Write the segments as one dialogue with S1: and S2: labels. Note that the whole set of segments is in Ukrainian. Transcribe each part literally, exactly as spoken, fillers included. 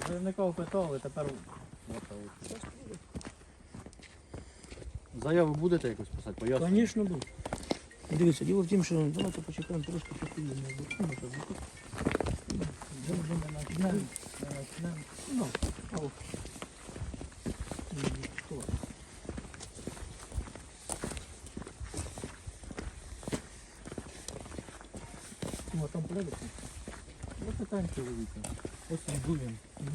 S1: Заявника питали, тепер... Заяву будете якось писати? Поясню?
S2: Звісно, буду. Дивіться, діло в тім, що давайте почекаємо трошки, що ти Ну,
S1: Ну, там порядок? Ну, питань чоловіка. Ось відбуємо.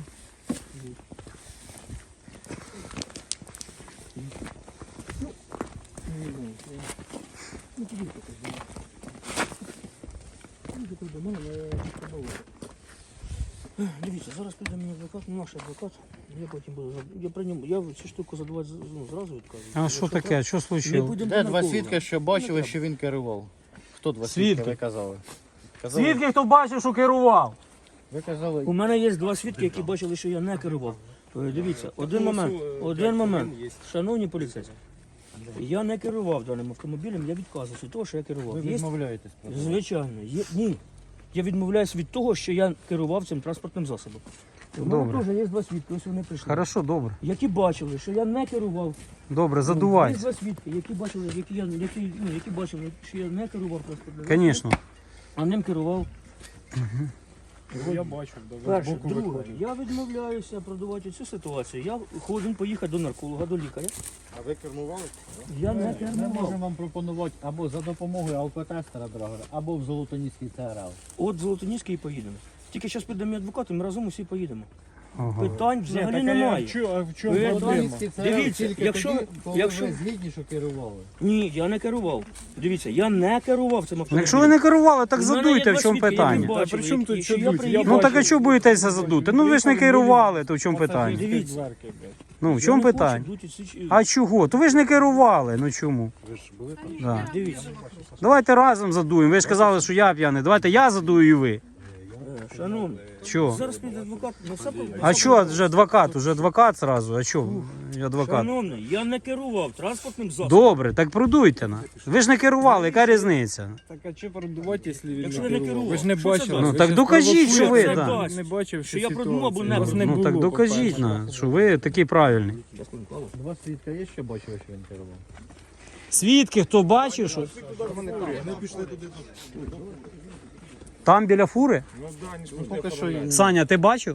S2: Ну, тоді покажу. Дуже тут до мене, я побуваю. Дивіться, зараз прийде мені адвокат, наш адвокат. Я потім буду, я при ньому, я цю штуку задавати ну, зразу відказую.
S3: А що таке? Що случилось?
S1: Де два свідки, що бачили, що він керував? Хто два свідки,
S3: Свідки?
S1: ви казали? казали?
S3: Свідки, хто бачив, що керував?
S1: Ви казали...
S2: У мене є два свідки, які бачили, що я не керував. Е, Дивіться, один момент, один момент. Шановні поліцейські, я не керував даним автомобілем, я відказуюся від того, що я керував.
S1: Ви
S2: Є-
S1: відмовляєтесь? просто?
S2: Звичайно. Є... Ні. Я відмовляюся від того, що я керував цим транспортним засобом. У мене
S3: Добре.
S2: теж є два свідки, ось вони прийшли.
S3: Хорошо, добре.
S2: Які бачили, що я не керував.
S3: Добре,
S2: Є
S3: задувай.
S2: два свідки, які бачили, які, я, які, ну, які бачили, що я не керував транспортним засобом,
S3: Звісно.
S2: а ним керував.
S4: Я бачу, да,
S2: Перше,
S4: збоку
S2: друге,
S4: виходить.
S2: я відмовляюся продавати цю ситуацію. Я хочу поїхати до нарколога, до лікаря.
S4: А ви кермували?
S2: Я не
S1: Ми
S2: керував.
S1: можемо вам пропонувати або за допомогою алкотестера драгера, або в Золотоніський ЦРЛ.
S2: От Золотоніський і поїдемо. Тільки зараз піде мій адвокат, і ми разом усі поїдемо.
S3: Ага.
S2: Питань взагалі
S4: Так, а я-
S2: немає.
S4: в чо- а в чому
S2: Ви
S4: проблема?
S1: Золотоніський ЦРЛ
S2: Дивіться,
S1: тільки
S2: якщо-
S1: тоді, коли
S2: якщо-
S1: ви згідні, що керували.
S2: Ні, я не керував. Дивіться, я не керував цим автомобілем.
S3: Якщо ви не керували, так
S2: У мене є
S3: задуйте,
S2: два
S3: в чому
S2: свідки, які
S3: питання.
S2: бачили,
S4: Та при чому тут
S2: і що
S4: що
S2: я
S4: дуть?
S2: приїхав.
S3: Ну так а чого боїтеся задути? Ну ви ж не керували, то в чому питання?
S2: Дивіться.
S4: Дверки, блядь.
S3: Ну в
S2: Я
S3: чому
S2: не хочу
S3: питання?
S2: бути ці-
S3: А чого? То ви ж не керували, ну чому?
S4: Ви ж були там?
S3: Да.
S2: Дивіться,
S3: Давайте разом задуємо. Ви ж казали, що я п'яний. Давайте я задую і ви.
S2: е, шановні,
S3: Чого?
S2: зараз піде адвокат, ну все по-
S3: А що, вже адвокат, уже адвокат зразу, а що? Я адвокат.
S2: Шановний, я не керував транспортним засобом.
S3: Добре, так продуйте на. Ви ж не керували, яка різниця?
S4: Так а що продувати, якщо він
S2: Якщо
S4: не
S2: ви не
S4: керував?
S2: керував,
S4: Ви ж не
S2: що це
S4: бачили.
S2: дасть?
S3: Ну
S4: Ви
S3: так
S4: щас
S3: докажіть, що ви,
S4: провокуєте.
S3: так.
S2: дасть.
S4: Не бачив,
S2: Що я продумав або не
S4: Вас не
S3: Ну
S4: було,
S3: так докажіть
S4: по-перше.
S3: на, що ви такий правильний.
S1: Два свідка є, що бачили, що він керував?
S3: Свідки, хто бачив, що там біля фури?
S4: Ну да, они ж
S1: Ну, поки що є.
S3: Саня, ти бачив?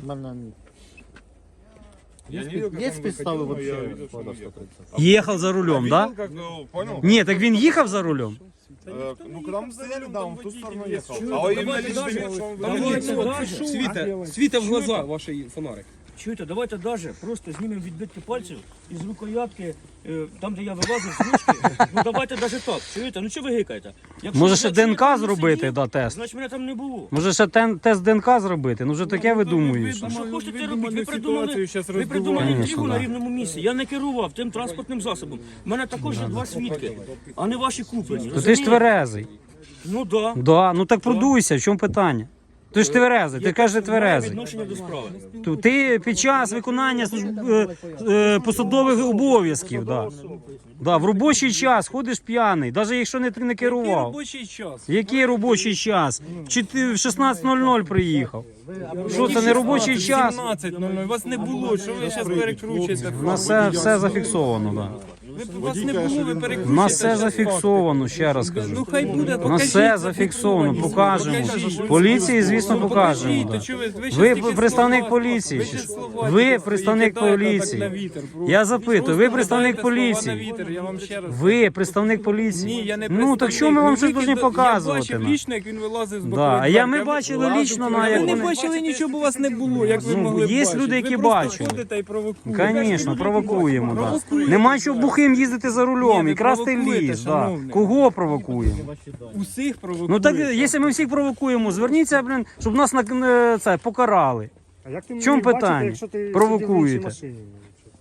S4: Я не
S1: Є,
S4: видел, как
S1: є
S4: он
S1: підстави
S4: выходил, но я
S1: взагалі?
S4: видел, что он ехал.
S3: Їхав за рулем,
S4: Видел,
S3: да?
S4: как, э, понял?
S3: Ні, так він їхав за рулем.
S4: Э, Ну, когда мы стояли, да, он в ту сторону ехал. А именно лишь момент, что он
S2: Давайте
S4: выходил.
S2: даже,
S5: Світа, світа в глаза ваші фонарик.
S2: чуєте, давайте даже просто знімемо відбитки пальців із рукоятки, е, там, де я вилазив з ручки. Ну давайте даже так, чуєте? Ну що ви гикаєте? Якщо-
S3: Може ще
S2: якщо я
S3: ДНК
S2: там не
S3: зробити,
S2: сидів,
S3: да, тест.
S2: Значить мене там не було.
S3: Може ще тен- тест ДНК зробити? Ну вже таке видумуєш.
S2: А що хочете
S4: ви
S2: робити? Ви
S4: думали,
S2: придумали,
S4: ситуацію щас
S2: ви придумали
S4: роздуваєте.
S2: інтригу
S3: Конечно,
S2: на
S3: да.
S2: рівному місці. Я не керував тим транспортним засобом. У мене також є два свідки, а не ваші куплені.
S3: То ти ж
S2: розумієте?
S3: тверезий.
S2: Ну да.
S3: Да, ну так продуйся, в чому питання? Ти ж тверезий, ти кажеш
S2: Має
S3: тверезий.
S2: відношення до справи.
S3: То ти під час виконання служб- е, е, посадових обов'язків, да. Да, в робочий час ходиш п'яний, навіть якщо не, ти не
S5: Який
S3: керував.
S5: робочий час?
S3: Який робочий час? Чи ти в шістнадцять нуль нуль приїхав? Що це не робочий час?
S5: сімнадцять нуль нуль. Вас не було, що ви зараз перекручуєте?
S3: У нас все, все зафіксовано, да.
S5: Ви, вас не було, ви
S3: У
S5: перекручуєте.
S3: нас все
S5: щас
S3: зафіксовано, ще раз
S5: факти. Ну
S3: кажу.
S5: хай буде,
S3: У нас
S5: покажіть,
S3: все зафіксовано, покажемо.
S5: Покажіть.
S3: Поліції, звісно,
S5: Ну,
S3: покажемо.
S5: покажіть,
S3: да.
S5: то чого ви- ви щас
S3: Ви
S5: тільки
S3: представник
S5: слова-
S3: поліції.
S5: ви
S3: чи
S5: щас
S3: що?
S5: слова
S3: Ви
S5: тільки
S3: представник
S5: кидаєте так
S3: поліції.
S5: на вітер, просто.
S3: Я запитую, ви
S5: Просто
S3: представник
S5: кидаєте слова на
S3: поліції.
S5: вітер, я вам ще раз
S3: Ви представник
S5: Ні,
S3: поліції.
S5: я не
S3: Ну так
S5: представник.
S3: що ми вам
S5: Ну,
S3: щось
S5: ви
S3: повинні
S5: кида-
S3: показувати?
S5: Я бачив
S3: на?
S5: лічно, як він вилазив з
S3: Да,
S5: бокової
S3: а я
S5: дверки.
S3: ми бачили
S5: Ладно,
S3: лічно на
S5: ви
S3: як
S5: не
S3: вони.
S5: бачили нічого, бо вас не було, як ви
S3: Ну,
S5: могли
S3: є
S5: бачити.
S3: люди, які
S5: ви просто
S3: бачили.
S5: ходите і провокуєте.
S3: Звісно, провокуємо. Да.
S5: Провокуєте.
S3: Нема чого бухим їздити за рулем
S5: Ні,
S3: і
S5: ви
S3: красти
S5: провокуєте,
S3: ліс. Да.
S5: шановний.
S3: Кого провокуємо?
S5: Усіх провокуєте.
S3: Ну так, якщо ми всіх провокуємо, зверніться, блін, щоб нас на е, це покарали.
S6: А як ти
S3: В чому
S6: міг бачити,
S3: питання?
S6: якщо ти
S3: Провокуєте.
S6: сидів в іншій машині?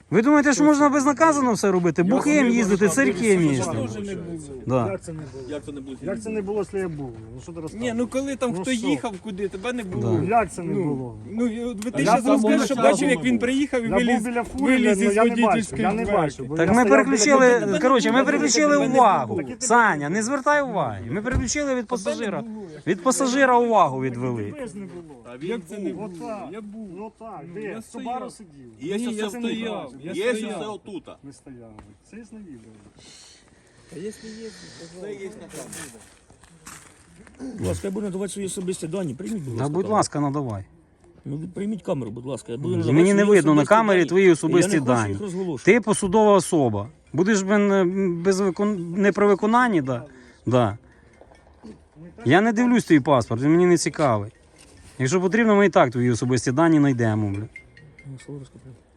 S3: Ви думаєте, що можна безнаказано все робити? Бухим їздити, цирким їздити.
S5: Теж не було.
S3: Да.
S6: Як це не було?
S5: Як це не було?
S6: Як це не було, якщо я був? Ну що ти
S5: Ні,
S6: розказуєш?
S5: ну коли там
S6: Ну
S5: хто
S6: що?
S5: їхав куди, тебе не було.
S3: Да.
S6: Як це не
S5: Ну,
S6: було?
S5: Ну, і от ви ти
S6: Я
S5: зараз
S6: там
S5: розкажеш,
S6: був
S5: що
S6: на
S5: бачив,
S6: часу
S5: як він приїхав і
S6: Я був
S5: виліз,
S6: біля фури,
S5: виліз
S6: але
S5: із
S6: я не бачив,
S5: водительської
S6: я не
S5: дверки.
S6: бачив. бо
S3: Так
S6: я
S3: ми
S6: стояв біля
S3: переключили,
S6: кабіни.
S3: коротше, ми
S5: Тебе
S3: переключили
S5: не було.
S3: увагу.
S6: Так і тебе
S3: Саня, не звертай уваги. Ми переключили від пасажира. Від пасажира увагу відвели.
S6: Тебе ж не було.
S5: Як це не було?
S6: Отак.
S5: Я був.
S6: Ну так,
S5: Ну,
S6: де?
S5: я
S6: В
S5: стояв.
S6: Субару сидів.
S4: Є
S5: Ні,
S4: ось
S5: я
S4: це
S5: стояв,
S4: тут.
S5: я
S4: Є ось
S5: стояв.
S4: це отут.
S6: Не стояв. Це є на відео.
S5: А якщо є,
S4: Це є на камері.
S2: Будь ласка, я буду надавати свої особисті дані. Прийміть, будь
S3: Да,
S2: ласка.
S3: будь
S2: камеру.
S3: ласка, надавай.
S2: Ну, ви прийміть камеру, будь ласка. Я буду надавати
S3: Мені не
S2: свої
S3: видно на
S2: особисті
S3: камері
S2: дані.
S3: твої особисті
S2: Я не хочу
S3: дані.
S2: їх розголошувати.
S3: Ти посудова особа. Будеш блин, без викон... не при виконанні, да? Да. Я не дивлюсь твій паспорт, він мені не цікавий. Якщо потрібно, ми і так твої особисті дані знайдемо. Бля.
S2: Ну, слово розкопаю.